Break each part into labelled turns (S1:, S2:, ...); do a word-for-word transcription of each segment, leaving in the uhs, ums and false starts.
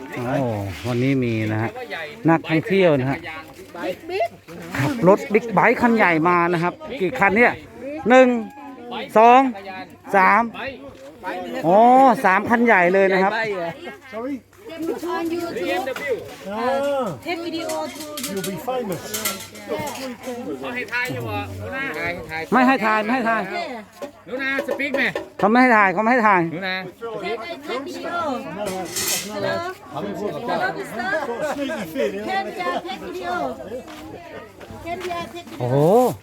S1: โอ้วันนี้มีนะฮะนักท่องเที่ยวนะฮะขับรถบิ๊กไบค์คันใหญ่มานะครับกี่คันเนี่ยหนึ่งสองสามโอ้สามคันใหญ่เลยนะครับ
S2: on YouTube uh, take video to
S3: You'll be famous.
S1: ไม่ให้ถ่ายไม่ให้ถ่าย
S4: หนูนาสปีกไหม
S1: เขาไม่ให้ถ่ายเขาไม่ให้ถ่าย
S4: หนูนา
S2: take take video hello
S4: เขาไม่พูดกับเจ้า
S2: hello mister
S3: Sneaky fit, yeah.
S2: can you take video can you take video
S1: โอ้โห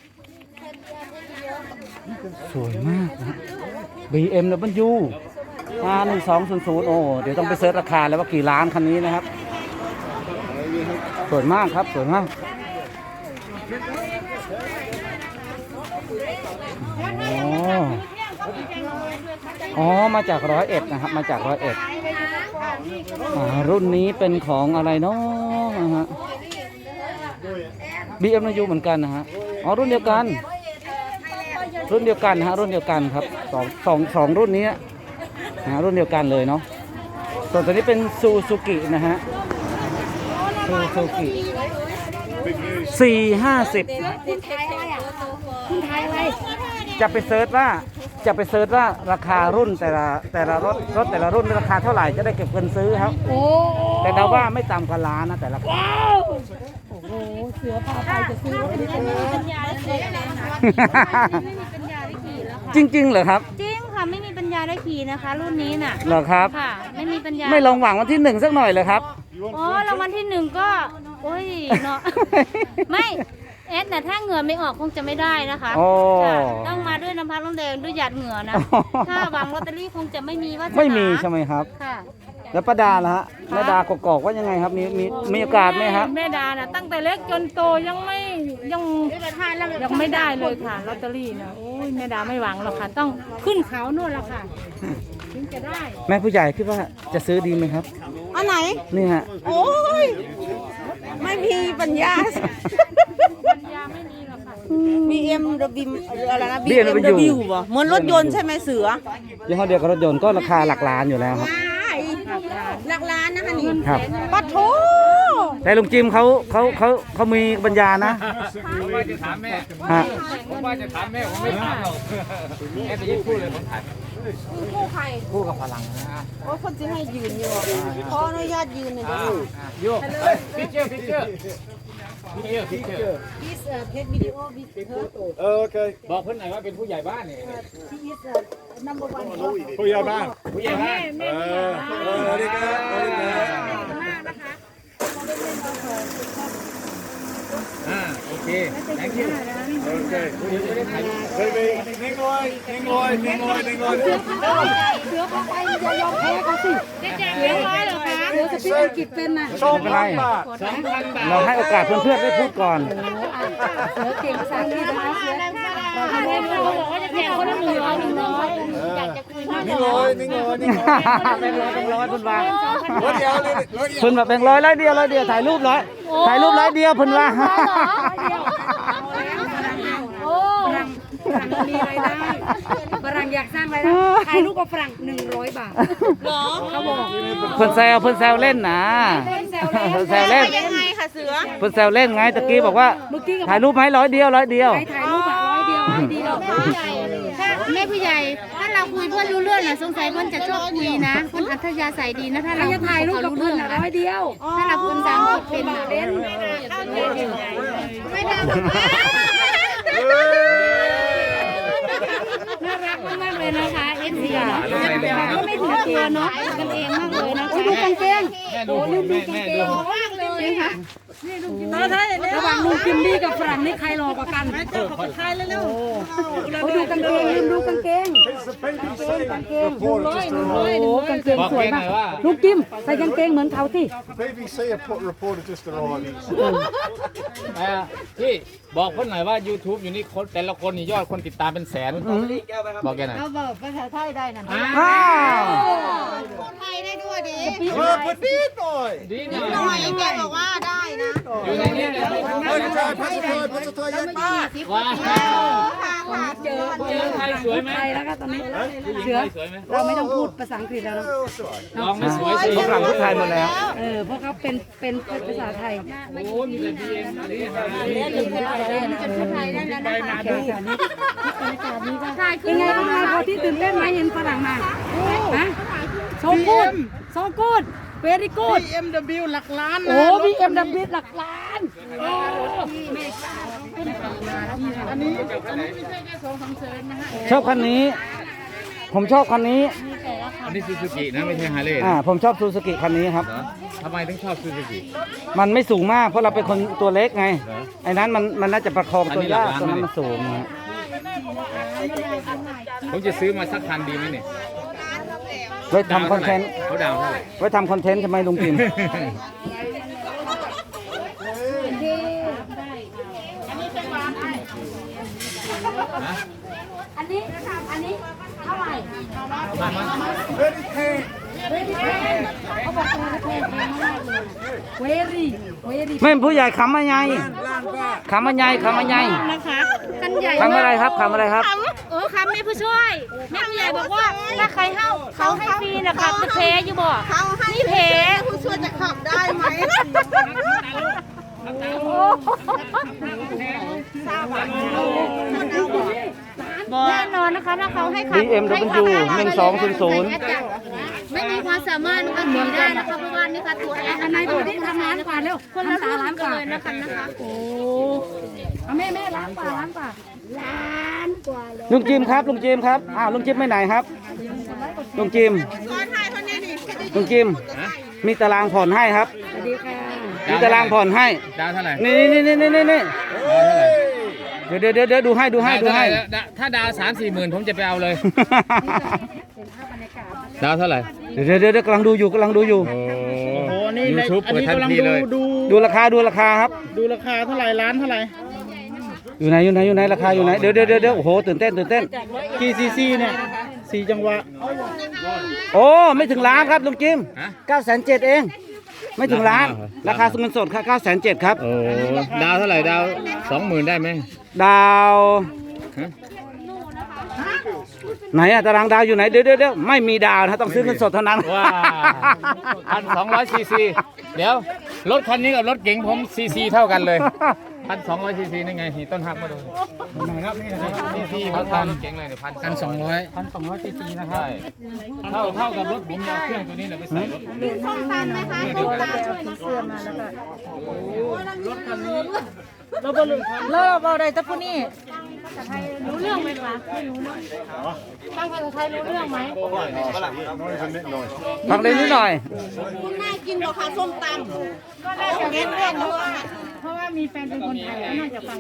S1: สวยมากนะ บี เอ็ม ดับเบิลยู อาร์ หนึ่งสองศูนย์ศูนย์ โอ้เดี๋ยวต้องไปเซิร์ชราคาแล้วว่ากี่ล้านคันนี้นะครับสวยมากครับสวยมากอ๋ออ๋อมาจากร้อยเอ็ดนะครับมาจากร้อยเอ็ดอ่ารุ่นนี้เป็นของอะไรเนาะนะฮะ บี เอ็ม ดับเบิลยู เหมือนกันนะฮะอ๋อรุ่นเดียวกันรุ่นเดียวกันฮะรุ่นเดียวกันครับสองสองสองรุ่นนี้นะรุ่นเดียวกันเลยเนาะส่วนตัวนี้เป็นซูซูกินะฮะซูซูกิสี่ห้าสิบ
S2: คุณไทยอะไรอ่ะคุณไทยอะไร
S1: จะไปเซิร์ชว่าจะไปเซิร์ชว่าราคารุ่นแต่ละแต่ละรถรถแต่ละรุ่นราคาเท่าไหร่จะได้เก็บเงินซื้อครับ
S2: โอ้
S1: แต่เราว่าไม่ต่ำกว่าล้านนะแต่ละคัน
S2: ว้าวโอ้โหเสือพาไปจะซื้อรถนี้กันเลย
S1: จริงๆเหรอครับ
S5: จริงค่ะไม่มีปัญญาได้ขี่นะคะ รุ่นนี้น่ะ
S1: เหรอครับ
S5: ค่ะ ไม่มีปัญญา
S1: ไม่ลองหวังวันที่หนึ่งสักหน่อยเลยครับ
S5: อ๋อรางวัลที่หนึ่งก็โอ้ยเนาะ ไม่แอดน่ะถ้าเหงื่อไม่ออกคงจะไม่ได้นะคะ
S1: โอ้
S5: ค่ะต้องมาด้วยน้ำพักน้ำแดงด้วยหยาดเหงื่อนะ
S1: อ๋อ
S5: ถ้าหวังลอตเตอรี่คงจะไม่มีว่า
S1: ไม่มีใช่ไหมครับ
S5: ค่ะ
S1: แล้วป้าดาล่ะฮะแม่ดากกอกว่ายังไงครับมีมีมีโอกาสไหมครับ
S6: แม่ดาน่ะตั้งแต่เล็กจนโตยังไม่ยังยังไม่ได้เลยค่ะลอตเตอรี่นะโอ้ยแม่ดาไม่หวังหรอกค่ะต้องขึ้นเขาโน่นละค่ะถึงจะได้
S1: แม่ผู้ใหญ่คิดว่าจะซื้อดีไหมครับ
S7: อันไหน
S1: นี่ฮะ
S7: โอ้ย ไม่มีปัญญา
S5: ปัญญาไม่มีหรอกค่ะ
S7: บี เอ็ม ดับเบิลยู อะไรนะ
S1: บี เอ็ม ดับเบิลยู
S7: ป่ะเหมือนรถยนต์ใช่ไหมเสือ
S1: ยี่ห้อเดียวกับรถยนต์ก็ราคาหลักล้านอยู่แล้วครับ
S7: หลักล้านนะคะนี่
S1: ครับ
S7: ปัดโถ
S1: แต่ลุงจิมเขาเขาเขาเขามีปัญญานะ
S4: ผมว่าจะถามแม่
S1: ฮะ
S4: ผมว่าจะถามแม่ผมไม่ถามหรอกแม่จะยิ่งพูดเลยผมถาม
S7: คู่ใคร
S4: พูดกับพลังนะ
S7: โอ้คนจะให้ยืนอยู่ขออนุญาตยืนหน่อยดิ
S4: โยกพิเจอร์พิเจอร์พิเจอร์พิเจอร์
S2: this uh, take video with her
S3: Oh, okay.
S4: บอกเพื่อนหน่อยว่าเป็นผู้ใหญ่บ้านเนี่ย
S2: she is uh, number one
S3: Put your man.
S4: ผู้ใหญ่บ้าน
S3: Uh, very good, very good.
S4: อ่าโอเค thank you
S3: Okay.
S4: เดี๋ยวจะได้ถ่าย
S3: Baby, ning loy, ning loy, ning loy, ning loy.
S2: เสือพาไปอย่ายอมแพ้เขาสิเสือร้อยเหรอคะเสือสปีกอังกฤษเป็นนะ
S3: Tom Lambert.
S4: สองพันบาท
S1: เราให้โอกาสเพื่อนๆได้พูดก่อน
S2: เสือเก่งภาษาอังกฤษนะคะเสือเราไม่ได้บอกว่าจะแจกคนละหนึ่งร้อยหนึ่งร้อยอยากจะคุยด้วย
S3: Ning loy, ning loy, ning loy.
S1: แบงค์ร้อยแบงค์ร้อยเพิ่นว่า
S3: What the hell is it? What the
S1: เพิ่นว่าแบงค์ร้อยร้อยเดียวร้อยเดียวถ่ายรูปร้อยถ่ายรูปร้อยเดียวเพิ่นว่า
S2: โอ้ฝรั่งมีรายได้ฝรั่งอยากสร้างรายได้ถ่ายรูปกับฝรั่งหนึ่งร้อยบาทหรอเขาบอก
S1: เพิ่นแซวเพิ่นแซวเล่นนะเพิ่นแซวเล่น
S7: ยังไงคะเสือ
S1: เพิ่นแซวเล่นไงตะกี้บอกว่า
S2: เมื่อกี้กับ
S1: ถ่ายรูปไหมร้อยเดียวร้อยเดียว
S2: ถ่ายรูปแบบร้อยเดียวร้อยเดียว
S5: ถ้าแม่ผู้ใหญ่ถ้าเราคุยเพื่อนรู้เรื่องน่ะสงสัยเพื่อนจะชอบคุยนะเพื่อนอัธยาศัยดีนะถ้าเรา
S2: จะถ่ายรูปกับ
S5: รู้
S2: เพื่อ
S5: เรื่
S2: น
S5: อง
S2: ร้อยเดียว
S5: ถ้าเราพูดภาษาอังกฤษเป็น
S2: เป็น
S5: ไม่ได้น่ารักมากๆเลยนะคะเอฟซีก็ไม่ถึงตัวเนาะกันเองมากเลยนะคะ
S2: ดูกางเกง
S4: แม่ดูแม่แม่ดู
S5: มากเลยค่ะ
S2: ระหว่างลุงจิมมี่กับฝรั่งนี่ใครหล่อกว่ากันใครเร็วๆเขาดูกางเกงลืมดูกางเกง
S3: It's the baby say report just
S2: โอ้
S3: arrived.
S2: โหกางเกง
S4: บอก
S2: สวย
S4: แกห
S2: มา
S4: น่อก ยว่า
S2: ลุงจิมใส่กางเกงเหมือนเขาที่
S3: Baby say a put reporter just arrived.
S4: เอ่อพี่บอกเพื่อนหน่อยว่า YouTube อยู่นี่คนแต่ละคนนี่ยอดคนติดตามเป็นแสนบอกแกหน่อย
S2: เขาบอกภาษาไทยได้นะ
S1: อ้าว
S7: ไทยได้ด้วยดิ
S3: Oh, but did boy.
S4: ดีหน่
S7: หน่
S4: อ
S7: อย ยแกบอกว่าได้นะ
S4: อยู่ในนี้เลย
S3: Pass the toy, pass the toy, pass the toy, yeah.
S4: ว้าว
S2: เจอเจอ
S4: ไทยสวยไหม
S2: ไทยแล้วก็ตอนนี้
S4: ผู้หญิง
S2: เสือ
S4: ไทยสวยไหม
S2: เราไม่ต้องพูดภาษาอังกฤษแล้วเนอะ
S3: Oh, it's all right.
S4: ลองไม่สวยสิ
S1: ฝรั่งทุกไทยหมดแล้ว
S2: เออเพราะเขาเป็นเป็นภาษาไทย
S4: โอ้มีแต่บีเอ็มอะไรนี่
S2: เป็นไงบ้างคะพอที่ตื่นเต้นไหมเห็นฝรั่งมาฮะโซกูดโซกูดเวรี่กูด
S7: บี เอ็ม ดับเบิลยู หลักล้าน
S2: โอ้บีเอ็มดับบิหลักล้าน
S1: ชอบคันนี้ ผมชอบคันนี้
S4: อันนี้ซูซูกินะไม่ใช่ฮาร์เลย์
S1: อ่า ผมชอบซูซูกิคันนี้ครับ
S4: เหรอทำไมถึงชอบซูซูกิ
S1: มันไม่สูงมาก เพราะเราเป็นคนตัวเล็กไง
S4: เหรอ
S1: ไอ้นั้นมันมันน่าจะประคองตัวยาก
S4: อันนี้หลักล้าน
S1: ตัวนั้นมันสูงนะ
S4: ผมจะซื้อมาสักคันดีไหมเนี่ย
S1: ไว้ทำคอนเทนต์
S4: เขาดาวเท่าไหร่
S1: ไว้ทำคอนเทนต์ใช่ไหมลุงพิมพ์
S5: อันนี้อันนี้เท่าไหร่
S4: มามา
S2: เวรี่เวรี่
S1: ไม่ผู้ใหญ่ขำมาไงขำมาไงขำมาไง
S5: นะคะกันใหญ่
S1: ขำอะไรครับขำอะไรครับ
S5: เออค่ะแม่ผู้ช่วยแม่ผู้ใหญ่บอกว่าถ้าใครเข้าเขาให้ฟรีนะคะจะแพ้อยู่บ่
S7: เขาให้
S5: นี่แพ้
S7: ผู้ช่วยจะขับได้ไหม
S5: แน่นอนนะคะถ้าเขาให้ขับ
S1: บี เอ็ม ดับเบิลยู หนึ่งสองศูนย์ศูนย์
S5: ไม่มีความสามารถนะคะหนีได้นะคะเพราะว่านี่ค่ะตัวแอร์
S2: อันไหนดูที่ทำร้านก่อนเร็ว
S5: คนละ
S2: ทำตา
S5: ร้า
S2: ร้าน น
S5: กั
S2: ก่
S5: น
S2: อน
S5: เลยนะคะนะคะ
S2: โอ้เอาแม่แม่ร้านป่าร้านป่า
S1: ลุงจิมครับลุงจิมครับอ้าวลุงจิมไปไหนครับลุงจิมลุงจิมมีตารางผ่อนให้ครับ
S2: สวัสดีค่ะ
S1: มีตารางผ่อนให้
S4: ดาวเท่าไหร่
S1: นี่นี่นี่นี่นี่นี่
S4: ดาวเท่าไหร่
S1: เดี๋ยวเดี๋ยวเดี๋ยวเดี๋ยวดูให้ดูให้ดูให้
S4: ดาวถ้าดาวสามสี่หมื่นผมจะไปเอาเลย ดาวเท่าไหร่
S1: เดี๋ยวเดี๋ยวเดี๋ยวกำลังดูอยู่กำลังดูอยู่
S4: โอ้โหนี่ยูทูบเปิดทันทีเลย
S1: ดูราคาดูราคาครับ
S7: ดูราคาเท่าไหร่ร้านเท่าไหร่
S1: อยู่ไหนอยู่ไหนอยู่ไหนราคาอยู่ไหนเดี๋ยวเดี๋ยวเดี๋ยวเดี๋ยวโอ้โหตื่นเต้นตื่นเต้น
S7: กี่ซีซีเนี่ยสี่จังหวะ
S1: โอ้ไม่ถึงล้านครับลุงจิม
S4: ฮะ
S1: เก้าแสนเจ็ดเอง ไม่ถึงล้าน ราคาเงินสดค่ะเก้าแสนเจ็ดครับ
S4: โอ้ดาวเท่าไหร่ดาวสองหมื่นได้ไหม
S1: ดาว
S4: ฮะ
S1: ไหนอะตารางดาวอยู่ไหนเดี๋ยวเดี๋ยวเดี๋ยวไม่มีดาวนะต้องซื้อเงินสดเท่านั้น
S4: ว้าพันสองร้อยซีซีเดี๋ยวรถคันนี้กับรถเก๋งผมซีซีเท่ากันเลยพันสองร้อยซีซีนี่ไงนี่ต้นหักมาดูไหนครับนี่นะครับซีซีเขาทำเก๋งเลยเนี่ยพันพันสองร้อยพันสองร้อยซีซีนะครับใช่เท่าเท่ากับรถผมเอาเครื่องตัวนี้เลยไปใส่รถ
S7: ส้มตำไหมคะส้มตำ
S6: เราบรุเราเราได้แต่ผู้นี้
S5: รู้เรื่องไหมคะ
S6: ฟังภาษาไทยรู้เรื่องไหม
S1: ฟังได้นิดหน่อย
S7: คุณน่ากินกว่าค่ะส้มตำ
S6: ก็น่าจะรู้เรื่องเพราะว่าเพราะว่ามีแฟนเป็นคนไทยแล้วน่าจะฟัง